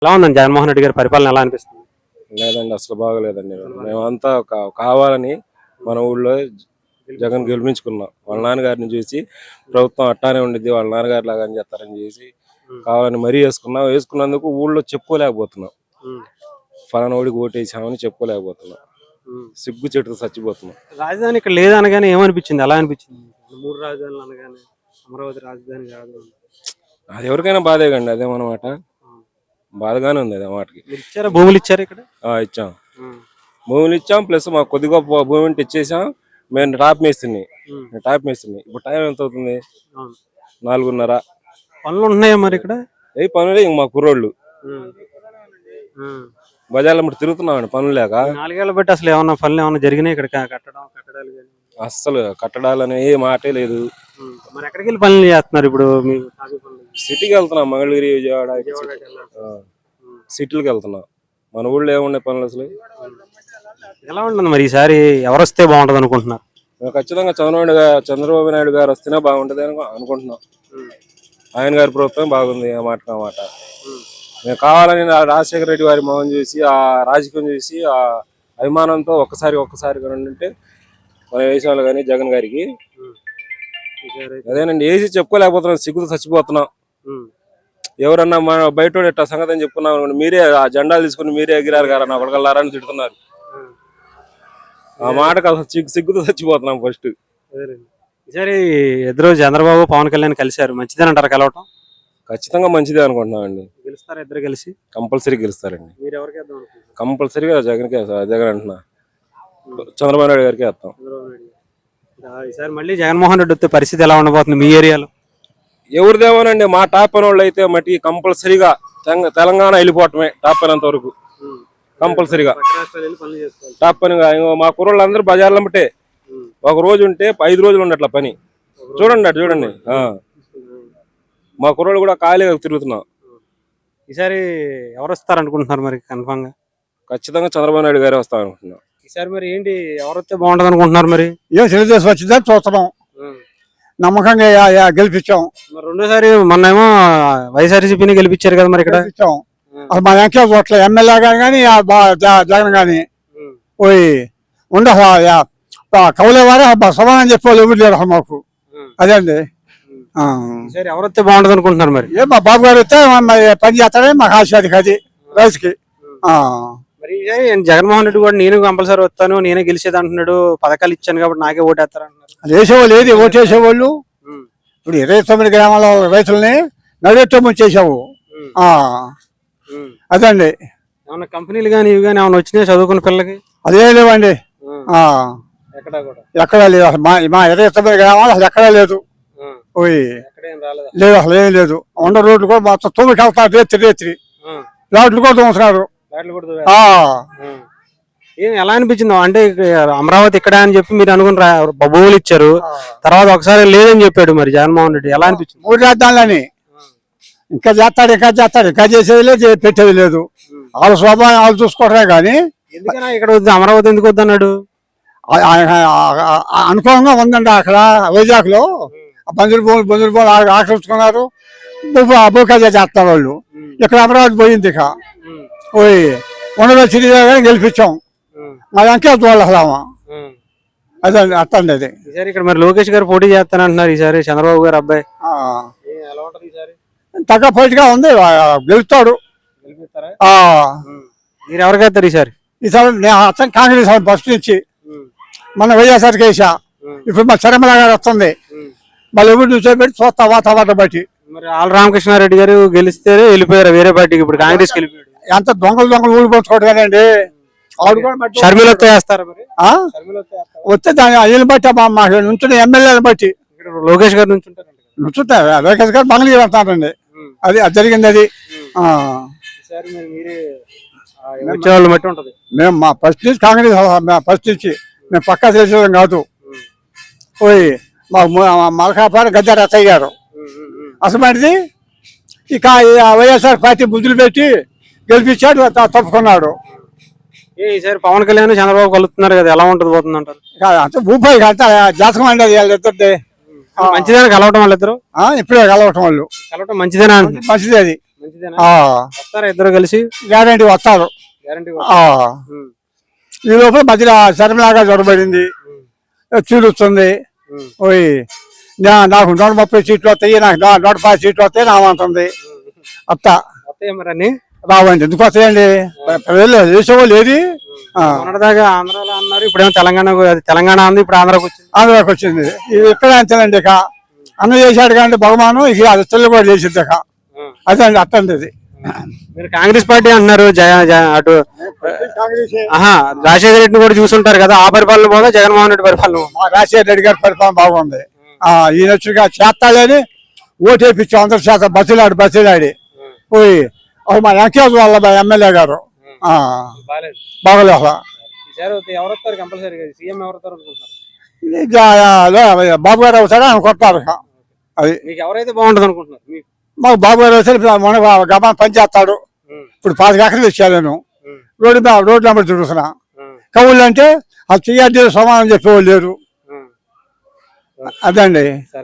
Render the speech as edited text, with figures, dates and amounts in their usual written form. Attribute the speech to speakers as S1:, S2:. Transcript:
S1: ఎలా ఉందండి జగన్మోహన్ రెడ్డి గారి పరిపాలన ఎలా అనిపిస్తుంది?
S2: లేదండి, అసలు బాగలేదండి. మేమంతా కావాలని మన ఊళ్ళో జగన్ గెలిపించుకున్నాం. వాళ్ళ నాన్నగారిని చూసి ప్రభుత్వం అట్టానే ఉండిద్ది, వాళ్ళ నాన్నగారి లాగా అని చేస్తారని చేసి కావాలని మరీ వేసుకున్నందుకు ఊళ్ళో చెప్పుకోలేకపోతున్నాం. ఫలానా ఓడికి ఓటేసామని చెప్పుకోలేకపోతున్నాం. సిగ్గు చెట్టుతో చచ్చిపోతున్నాం.
S1: రాజధాని ఇక్కడ లేదనగానే ఏమనిపించింది? ఎలా అనిపించింది? 3 రాజధానులు అనగానే అమరావతి రాజధాని కాదు.
S2: అది ఎవరికైనా బాధే కండి, అదేమన్నమాట. బాధగానే ఉంది అదే మాటకి.
S1: ఇచ్చారా? భూములు ఇచ్చారు ఇక్కడ?
S2: ఇచ్చాం, భూములు ఇచ్చాం. ప్లస్ మాకు కొద్ది గొప్ప భూమి ఉంటే ఇచ్చేసాం. మేము టాప్ మేస్తుంది. ఇప్పుడు టైం ఎంత అవుతుంది? 4:30.
S1: పనులు ఉంటున్నాయా మరి ఇక్కడ?
S2: ఏ పనులే ఇంక మా కుర్రోళ్ళు బజార్లో మరి తిరుగుతున్నామండి పనులు లేక.
S1: 4 ఏళ్ల బట్టి అసలు ఏమన్నా పనులు ఏమన్నా జరిగినాయి ఇక్కడ? కట్టడాలు
S2: అస్సలు కట్టడాలని ఏ మాటే లేదు.
S1: మరి ఎక్కడికి వెళ్ళి పనులు చేస్తున్నారు ఇప్పుడు?
S2: సిటీకి వెళ్తున్నాం, మంగళగిరి, విజయవాడ సిటీలకు వెళ్తున్నాం. మన ఊళ్ళో ఏమున్నాయి పనులు అసలు?
S1: ఎలా ఉంటుంది మరి ఈసారి? ఎవరు వస్తే బాగుంటది అనుకుంటున్నారు?
S2: ఖచ్చితంగా చంద్రబాబు నాయుడు గారు వస్తేనే బాగుంటది అనుకుంటున్నాం. ఆయన గారి ప్రభుత్వం బాగుంది, ఆ మాట. మేము కావాలని రాజశేఖర రెడ్డి వారి మొహం చూసి, ఆ రాజకీయం చూసి, ఆ అభిమానంతో ఒక్కసారి ఉంటే మన వేసాలు కానీ జగన్ గారికి అదేనండి వేసి చెప్పుకోలేకపోతున్నాం. సిగ్గుతో చచ్చిపోతున్నాం. ఎవరన్నా మన బయట ఇట్లా సంగతి అని చెప్పుకున్నాం, మీరే ఆ జెండాలు తీసుకుని మీరే ఎగిరారు కదా ఒకళ్ళని తిడుతున్నారు. ఆ మాటకు అసలు సిగ్గుతో చచ్చిపోతున్నాం. ఫస్ట్
S1: ఈసారి ఎదురు చంద్రబాబు పవన్ కళ్యాణ్ కలిశారు, మంచిదేనంటారు కలవటం?
S2: ఖచ్చితంగా మంచిదే అనుకుంటున్నాం అండి.
S1: గెలుస్తారా ఇద్దరు కలిసి?
S2: కంపల్సరీ గెలుస్తారండి.
S1: మీరు ఎవరికి
S2: కంపల్సరీగా జగన్ అంటున్నా, చంద్రబాబు నాయుడు గారికి వేస్తాం.
S1: ఈసారి మళ్ళీ జగన్మోహన్ రెడ్డి వస్తే పరిస్థితి ఎలా ఉండబోతుంది మీ ఏరియాలో?
S2: ఎవరిదేమోనండి, మా టాప్ పని వాళ్ళు అయితే మట్టి కంపల్సరీగా తెలంగాణ వెళ్ళిపోవటమే. టాప్ పైనంత వరకు కంపల్సరీగా టాప్ పనిగా. మా కుర్రోళ్ళు అందరూ బజార్లో బట్టే ఒక రోజు ఉంటే 5 రోజులు ఉండట్ల పని. చూడండి మా కుర్రోళ్ళు కూడా ఖాళీగా తిరుగుతున్నాం.
S1: ఈసారి ఎవరు వస్తారు అనుకుంటున్నారు మరి? కన్ఫామ్ గా
S2: ఖచ్చితంగా చంద్రబాబు నాయుడు గారే వస్తారు అనుకుంటున్నాం.
S1: ఈసారి మరి ఏంటి, ఎవరు వస్తే బాగుంటది అనుకుంటున్నారు? మరి
S3: తెలుగుదేశం వచ్చిందని చూస్తున్నాం, నమ్మకంగా గెలిపించాం.
S1: మరి రెండోసారి మొన్నేమో వైఎస్ఆర్సీపీని గెలిపించారు కదా, మరి ఇక్కడ
S3: అసలు మా వెంకయ్య చోట్ల ఎమ్మెల్యే కానీ జగన్ కానీ పోయి ఉండదు. కవులే వారే సమానం చెప్పేవాళ్ళు ఎవరు లేరు మాకు. అదే అండి.
S1: ఎవరు వస్తే బాగుంటది అనుకుంటున్నారు? మరి
S3: మా బాబు గారు వస్తే పని చేస్తాడే మాకు ఆశ అది రైతుకి.
S1: మరి జగన్మోహన్ రెడ్డి కూడా నేను కంపల్సరీ వస్తాను, నేనే గెలిచేది అంటున్నాడు, పథకాలు ఇచ్చాను కాబట్టి నాకే ఓటేస్తారు అంటున్నారు.
S3: అది వేసేవాళ్ళు ఏది ఓటేసేవాళ్ళు. ఇప్పుడు 29 గ్రామాల రైతులని నడితో ముంచేసావు. అదండి.
S1: ఏమన్నా కంపెనీలు కానీ ఇవి కానీ ఏమన్నా వచ్చినాయి చదువుకున్న పిల్లలకి?
S3: అదే లేవండి, ఎక్కడా లేదు. అసలు మా 29 గ్రామాలు అసలు ఎక్కడా లేదు. లేదు, అసలు ఏం లేదు. ఉండ రోడ్లు కూడా మొత్తం తొమ్మిది వెళ్తారు, రేత్రి రోడ్లు కూడా తోముతున్నారు.
S1: ఎలా అనిపించింది? అంటే అమరావతి ఇక్కడ అని చెప్పి మీరు అనుకుని భూములు ఇచ్చారు, తర్వాత ఒకసారి లేదని చెప్పాడు మరి జగన్మోహన్ రెడ్డి. ఎలా అనిపించింది?
S3: 3 రాజధానులని ఇంకా చేస్తాడు, ఇంకా చేసేది లేదు, పెట్టేది లేదు. వాళ్ళ స్వభావం వాళ్ళు చూసుకోవడమే కానీ.
S1: ఎందుకన్నా ఇక్కడ వద్దు, అమరావతి ఎందుకు వద్దన్నాడు?
S3: అనుకూలంగా ఉందండి అక్కడ వైజాగ్ లో. బంజురు భూములు ఆక్రమించుకున్నారు, భూకజ చేస్తారు వాళ్ళు. ఇక్కడ అమరావతి పోయింది. ఇక పోయి ఉండలో చిరిగా గెలిపించాం. మా వెంకయ్య చూడాలి అదే అట్టండి. అది
S1: ఈసారి ఇక్కడ మరి లోకేష్ గారు పోటీ చేస్తానంటున్నారు ఈసారి, చంద్రబాబు గారు అబ్బాయి.
S3: తగ్గ పోటీగా ఉంది, గెలుస్తాడు.
S1: మీరు ఎవరికి వేస్తారు ఈసారి?
S3: అతను కాంగ్రెస్ ఫస్ట్ నుంచి మన వైఎస్ఆర్కి వేసా. ఇప్పుడు మా చరమల గారు వస్తుంది, మళ్ళీ ఎవరు చూసేపెట్టి చూస్తా వాతావరణం బట్టి.
S1: మరి ఆళ్ళ రామకృష్ణారెడ్డి గారు గెలిస్తే వెళ్ళిపోయారు వేరే పార్టీకి, ఇప్పుడు కాంగ్రెస్ వెళ్ళిపోయాడు.
S3: ఎంత దొంగలు ఊడిపోతుకోవడం కదండి.
S1: షర్మిల వేస్తారు
S3: వస్తే దాని అయ్యని బట్టి మాకు నుంచున్న ఎమ్మెల్యేని బట్టి.
S1: లోకేష్ గారు
S3: నుంచుంటారు, లోకేష్ గారు మంగళగిరి వెళ్తారండి. అది జరిగింది. అది మేము మా ఫస్ట్ నుంచి కాంగ్రెస్, ఫస్ట్ నుంచి మేము పక్కా తెలిసేది కాదు. పోయి మాకు మలకాపాడు గద్దె రత్తయ్య గారు అసలు ఇక వైఎస్ఆర్ పార్టీ బుద్ధులు పెట్టి గెలిపించాడు, తప్పుకున్నాడు.
S1: ఈసారి పవన్ కళ్యాణ్ చంద్రబాబు కలుస్తున్నారు కదా, ఎలా ఉంటుంది పోతుంది అంటారు?
S3: అంత భూపాయి అంత జాతకం అండి అది. వాళ్ళిద్దరిదే
S1: మంచిదేనా కలవటం? వాళ్ళిద్దరు
S3: ఇప్పుడే కలవటం, వాళ్ళు
S1: కలవటం మంచిదేనా?
S3: మంచిదే అది.
S1: మంచిదేనా?
S3: ఆ,
S1: వస్తారా ఇద్దరు కలిసి?
S3: గ్యారంటీ వస్తారు.
S1: గ్యారంటీ.
S3: ఆ, ఈ లోపల మధ్యలో శర్మలాగా జ్వరపడింది, చీరుస్తుంది. ఓయ్ నాకు 130 సీట్లు వస్తాయి, నాకు 150 సీట్లు వస్తాయి నామంటుంది. అత్త
S1: వస్తాయి మరి అన్ని?
S3: రావండి, ఎందుకు వస్తాయండి? ప్రజలు వేసేవాళ్ళు ఏది?
S1: మొన్నటిదాకా ఆంధ్రాలో అన్నారు, ఇప్పుడేమో తెలంగాణ ఉంది, ఇప్పుడు ఆంధ్రాకి వచ్చింది.
S3: ఆంధ్రాకి వచ్చింది. ఇది ఎక్కడ అంతేనండి. ఇక అన్న చేశాడు కానీ బహుమానం ఇక అది తెల్ల కూడా చేసింది. ఇక అదే అండి, అట్టండి ఇది.
S1: మీరు కాంగ్రెస్ పార్టీ అంటున్నారు, అటు రాజశేఖర రెడ్డిని కూడా చూసుంటారు కదా, ఆ పరిపాలన పోదా జగన్మోహన్ రెడ్డి పరిపాలన?
S3: మా రాజశేఖర రెడ్డి గారి పరిపాలన బాగుంది. ఈయన వచ్చిగా చేస్తాడని ఓటేపించాం, అందరి చేత బస్సులాడి పోయి మా వెంకటేశ్వర వాళ్ళ ఎమ్మెల్యే గారు బాగలేదు అసలు.
S1: ఎవరు వస్తారు కంపల్సరీగా? సీఎం ఎవరు వస్తారు అనుకుంటున్నారు?
S3: బాబు గారు అవుతారా అని కొట్టారు. అది
S1: మీకు ఎవరైతే బాగుంటుంది అనుకుంటున్నారు?
S3: మాకు బాబు గారు వస్తే మన గమనం పని చేస్తాడు. ఇప్పుడు 5 ఎకరాలు ఇచ్చాను నేను, రోడ్డు నెంబర్ తిరుగుతున్నా. కవుళ్ళు అంటే అది చెయ్యాలి సమానం చెప్పేవాళ్ళు లేరు. అదండి.